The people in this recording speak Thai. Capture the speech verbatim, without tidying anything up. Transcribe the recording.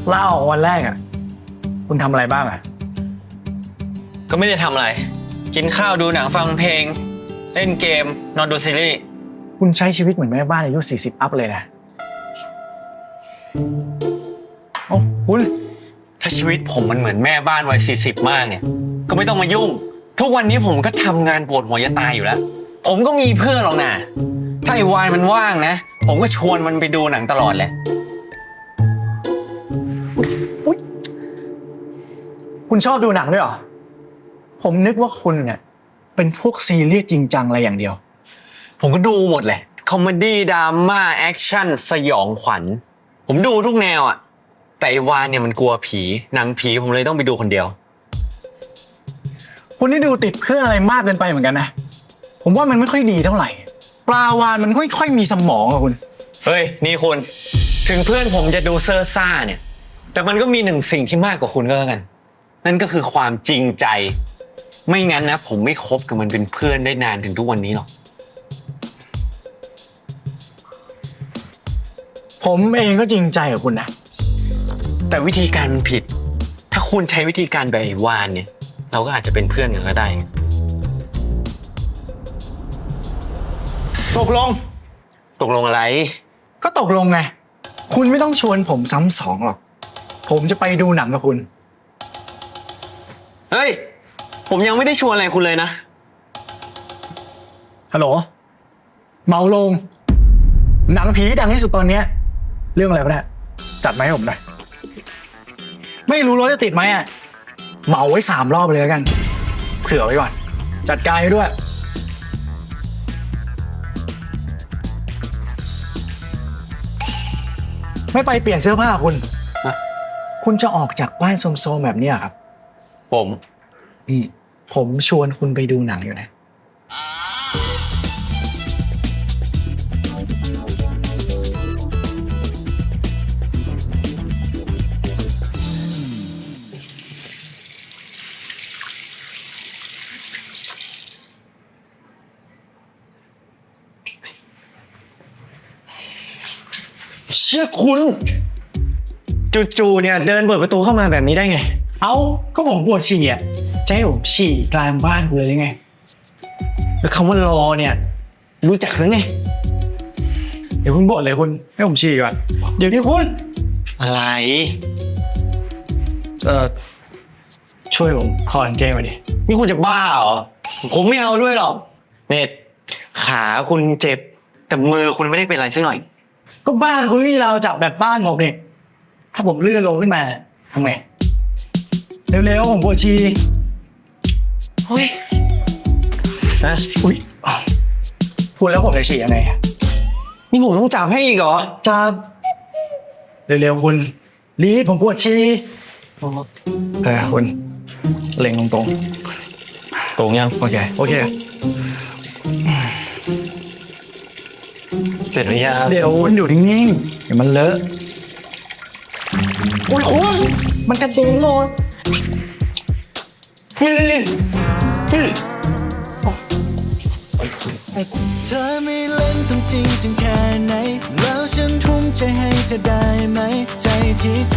ลาออกวันแรกอ่ะคุณทำอะไรบ้างอ่ะก็ไม่ได้ทำอะไรกินข้าวดูหนังฟังเพลงเล่นเกมนอนดูซีรีส์คุณใช้ชีวิตเหมือนแม่บ้านอายุสี่สิบอัพเลยนะโอ้คุณถ้าชีวิตผมมันเหมือนแม่บ้านวัยสี่สิบมากเนี่ยก็ไม่ต้องมายุ่งทุกวันนี้ผมก็ทำงานปวดหัวจะตายอยู่แล้วผมก็มีเพื่อนหรอกนะถ้าไอ้วายมันว่างนะผมก็ชวนมันไปดูหนังตลอดแหละคุณชอบดูหนังด้วยเหรอผมนึกว่าคุณเนี่ยเป็นพวกซีเรียสจริงจังอะไรอย่างเดียวผมก็ดูหมดแหละคอมเมดี้ดราม่าแอคชั่นสยองขวัญผมดูทุกแนวอ่ะแต่ไอ้วานเนี่ยมันกลัวผีหนังผีผมเลยต้องไปดูคนเดียวคุณนี่ดูติดเพื่อนอะไรมากเกินไปเหมือนกันนะผมว่ามันไม่ค่อยดีเท่าไหร่ปลาวานมันไม่ค่อยมีสมองอะคุณเฮ้ยนี่คุณถึงเพื่อนผมจะดูเซอร์ซ่าเนี่ยแต่มันก็มีหนึ่งสิ่งที่มากกว่าคุณก็แล้วกันนั่นก็คือความจริงใจไม่งั้นนะผมไม่คบกับมันเป็นเพื่อนได้นานถึงทุกวันนี้หรอกผมเองก็จริงใจกับคุณนะแต่วิธีการมันผิดถ้าคุณใช้วิธีการแบบไอ้วานเนี่ยเราก็อาจจะเป็นเพื่อนกันก็ได้ตกลงตกลงอะไรก็ตกลงไงคุณไม่ต้องชวนผมซ้ำสองหรอกผมจะไปดูหนังกับคุณเฮ้ยผมยังไม่ได้ชวนอะไรคุณเลยนะฮัลโหลเมาลงหนังผีดังที่สุดตอนนี้เรื่องอะไรวะเนี่ยจัดมาให้ผมหน่อยไม่รู้รถจะติดไหมอ่ะเหมาไว้สามรอบเลยแล้วกันเผื่อไว้ก่อนจัดการให้ด้วยไม่ไปเปลี่ยนเสื้อผ้าคุณคุณจะออกจากบ้านโซมๆแบบนี้ครับผมอืมผมชวนคุณไปดูหนังอยู่นะเชื่อคุณจู่ๆเนี่ยเดินเปิดประตูเข้ามาแบบนี้ได้ไงเอ้าก็ผมปวดฉี่อ่ะจะให้ผมฉี่กลางบ้านคุณเลยหรือไงแล้วคำว่ารอเนี่ยรู้จักหรือไงเดี๋ยวคุณบ่นเลยคุณให้ผมฉี่ก่อนเดี๋ยวนี้คุณอะไรเอ่อช่วยผมถอดกางเกงมาดินี่คุณจะบ้าเหรอผมไม่เอาด้วยหรอกเนตขาคุณเจ็บแต่มือคุณไม่ได้เป็นอะไรสักหน่อยก็บ้านคุณที่เราจับแบบบ้านผมเนี่ยถ้าผมเลื่อนลงขึ้นมาทำไงเร็วๆผมปวดฉี่เฮ้ยนะอุ้ยพูดแล้วผมจะฉี่ยังไงนี่ผมต้องจับให้อีกเหรอจับเร็วๆคุณรีบผมปวดฉี่เออคุณเล็งตรงตรงตรงยังโอเคโอเคเสร็จหรือยังเดี๋ยวคุณอยู่นิ่งๆเดี๋ยวมันเลอะโอ้ยคุณมันกระเด็นหมดนี่นี่นี่เธอไม่เล่นต้องจริงจังแค่ไหนแล้วฉันทุ่มใจให้เธอได้ไหมใจที่